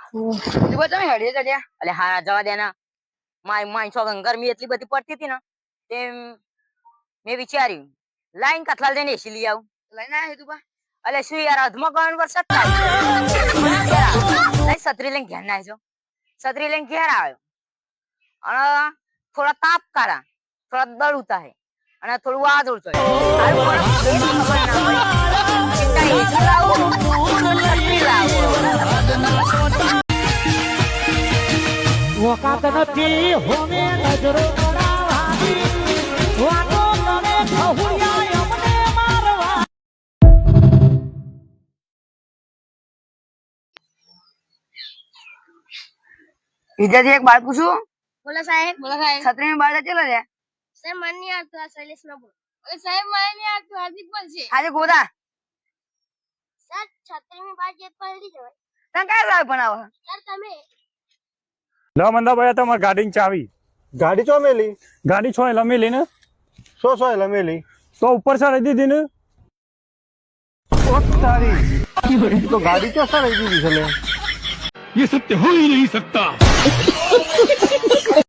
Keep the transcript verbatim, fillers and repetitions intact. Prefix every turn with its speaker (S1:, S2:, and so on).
S1: તું બતા મે હડીએ ચડ્યા
S2: અલે હારા જવા દે ના માય માય સો ગરમી એટલી બધી પડતી હતી ને તેમ મેં વિચાર્યું લાઈન કથલાલ જઈને એસી લઈ આવું
S1: લઈને આયા તું બા
S2: અલે શું યાર અધમો ગણ વરસાદ થાય લઈ છત્રી લઈને ઘેર ના આવજો છત્રી લઈને ઘેર આવ્યો અને થોડા તાપ કાઢા થોડા દળ ઉતારે અને થોડું વાદળ ચોય હારું પણ એ ખબર ના પડી કે કઈ એસી લાવું છત્રી લાવું
S3: વકાત નથી હોમે નજરો કરાવવાની વાતો કરે ખહુરિયા અમને મારવા
S1: વિદ્યાર્થી એક બાર પૂછું
S4: બોલો સાહેબ બોલો સાહેબ
S1: છત્રી માં બાર ચેલો છે
S4: સાહેબ મને નહીં આવતું આ શૈલેષ ના બોલ અરે સાહેબ મને નહીં આવતું હાર્દિક બોલ છે
S1: આજે ગોદા
S4: સર છત્રી ની બાર જેત પડી જવાય
S1: તને કયા લાવ બનાવો
S4: સર તમે
S5: લો મંદા ભાઈ તમારી ગાડીની ચાવી
S6: ગાડી ચો મેલી
S5: ગાડી છો એટલે મેલી ને
S6: સો સો એટલે મેલી
S5: તો ઉપર ચડાવી દીધી ને
S6: ઓ તારી તો ગાડી ચો સર દીધી છે લે
S5: ये सत्य हो ही नहीं सकता